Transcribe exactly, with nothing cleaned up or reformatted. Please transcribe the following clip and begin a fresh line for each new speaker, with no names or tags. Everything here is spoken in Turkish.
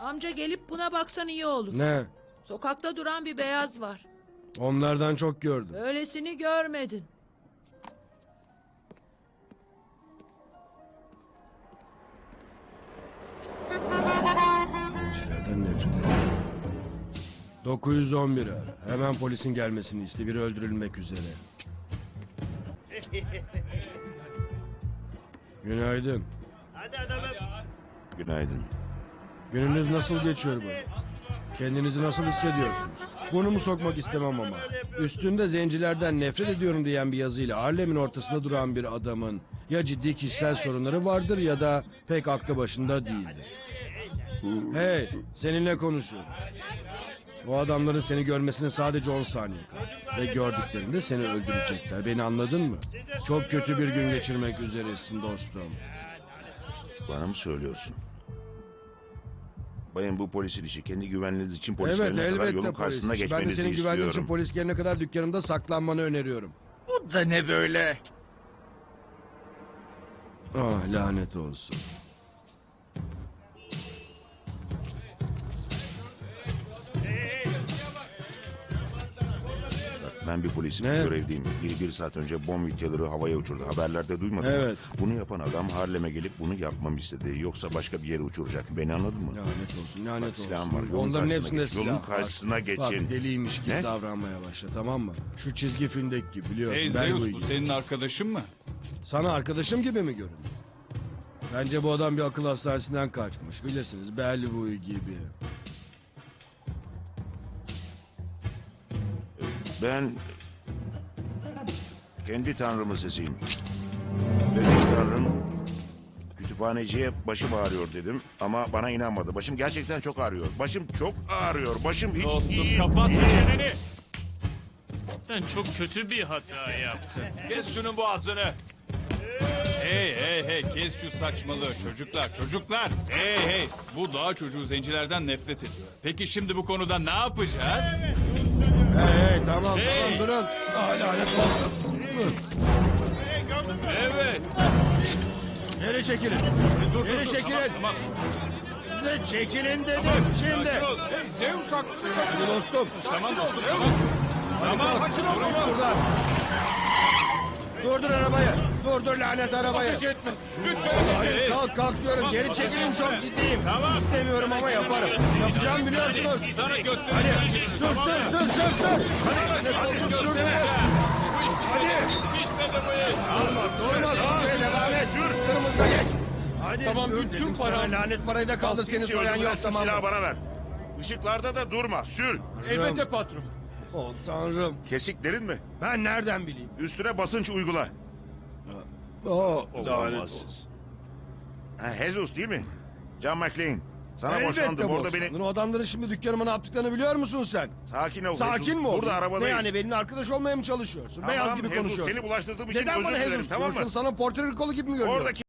Amca gelip buna baksan iyi olur.
Ne?
Sokakta duran bir beyaz var.
Onlardan çok gördüm.
Öylesini görmedin.
Zencilerden nefret ederim. dokuz yüz on bir ara. Hemen polisin gelmesini iste. Biri öldürülmek üzere. Günaydın.
Günaydın.
Gününüz nasıl geçiyor bana? Kendinizi nasıl hissediyorsunuz? Burnumu sokmak istemem ama. Üstünde zencilerden nefret ediyorum diyen bir yazıyla Harlem'in ortasında duran bir adamın ya ciddi kişisel sorunları vardır ya da pek aklı başında değildir. Hey, seninle konuşuyorum. O adamların seni görmesine sadece on saniye kaldı. Ve gördüklerinde seni öldürecekler. Beni anladın mı? Çok kötü bir gün geçirmek üzeresin dostum.
Bana mı söylüyorsun? Bayım, bu polisin işi. Kendi güvenliğiniz için
Evet,
polislerine kadar
elbette
yolun
polis.
karşısına
işi. Ben de
geçmenizi
senin güvenliğin için
istiyorum.
polis gelene kadar dükkanımda saklanmanı öneriyorum.
Bu da ne böyle?
Ah, lanet olsun.
Ben bir polisim,
Ne?
görevdeyim. Biri bir saat önce bomb vidyaları havaya uçurdu. Haberlerde duymadın mı?
Evet.
Bunu yapan adam Harlem'e gelip bunu yapmamı istedi. Yoksa başka bir yere uçuracak. Beni anladın mı?
Lanet olsun, lanet
Bak, silahım
olsun.
var. Yolun
Onların
karşısına
hepsinde
geç,
silah
yolun
var.
karşısına geçin.
Bak, deliymiş gibi
Ne?
davranmaya başla, tamam mı? Şu çizgi filmdeki gibi, biliyorsun.
Hey
ben
Zeus,
bu
bu
gibi.
senin arkadaşın mı?
Sana arkadaşım gibi mi görünüyor? Bence bu adam bir akıl hastanesinden kaçmış. Bilirsiniz, Bellevue gibi.
Ben kendi tanrımın sesiyim. Benim tanrım kütüphaneciye başım ağrıyor dedim ama bana inanmadı. Başım gerçekten çok ağrıyor. Başım çok ağrıyor. Başım hiç
Dostum
iyi
kapat
değil.
çeneni. Sen çok kötü bir hata yaptın.
Kes şunun boğazını. Hey hey hey, kes şu saçmalığı çocuklar çocuklar. Hey hey, bu dağ çocuğu zencilerden nefret ediyor. Peki şimdi bu konuda ne yapacağız?
Hey hey, tamam
Hey!
tamam, durun. Ah, lanet olsun.
Evet.
Geri çekilin.
Dur, dur,
Geri
dur,
çekilin.
Tamam, tamam.
Size çekilin dedim, şimdi.
Sakin ol. Hey Zeus haklı.
Hadi dostum.
Tamam dostum tamam. Tamam sakin ol tamam.
Buradan. Durdur arabayı. Durdur lanet arabayı.
Ateş etme. Lütfen
Hayır,
ateş et.
kalk kalk diyorum.
Tamam,
Geri
ateş
çekilin,
etme.
çok ciddiyim.
Tamam.
İstemiyorum ama yaparım. Yapacağımı biliyorsunuz.
Sana göstereceğim.
Hadi sür sür sür sür sür. Lanet olsun, sürdürün. Hadi.
Bitmedi bu iş.
Olmaz olmaz. Sür, devam et. Kırmızıda geç. Hadi
Tamam,
sür
bütün
dedim
param-
sana. Lanet parayı da kaldı, seni
Hiç
soyan
öldürme,
yok,
şu
tamam
silahı
mı?
bana ver. Işıklarda da durma. Sür.
Elbette patron.
Oh tanrım.
Kesiklerin mi?
Ben nereden bileyim?
Üstüne basınç uygula.
Oh,
Olamaz. Ha, Jesus değil mi? John McClane. Sana
Elbette
boşandım. Orada
boşandın.
beni...
O adamların şimdi dükkanıma ne yaptıklarını biliyor musun sen?
Sakin ol.
Sakin
Jesus.
mi oldun?
Burada
Ne
arabadayız.
yani, benimle arkadaş olmaya mı çalışıyorsun?
Tamam,
Beyaz gibi
Jesus,
konuşuyorsun.
seni bulaştırdığım için
Neden
özür
bana
dilerim,
Jesus
tamam mı?
diyorsun? Sana Porto Rikolu gibi mi görünüyorum?
Oradaki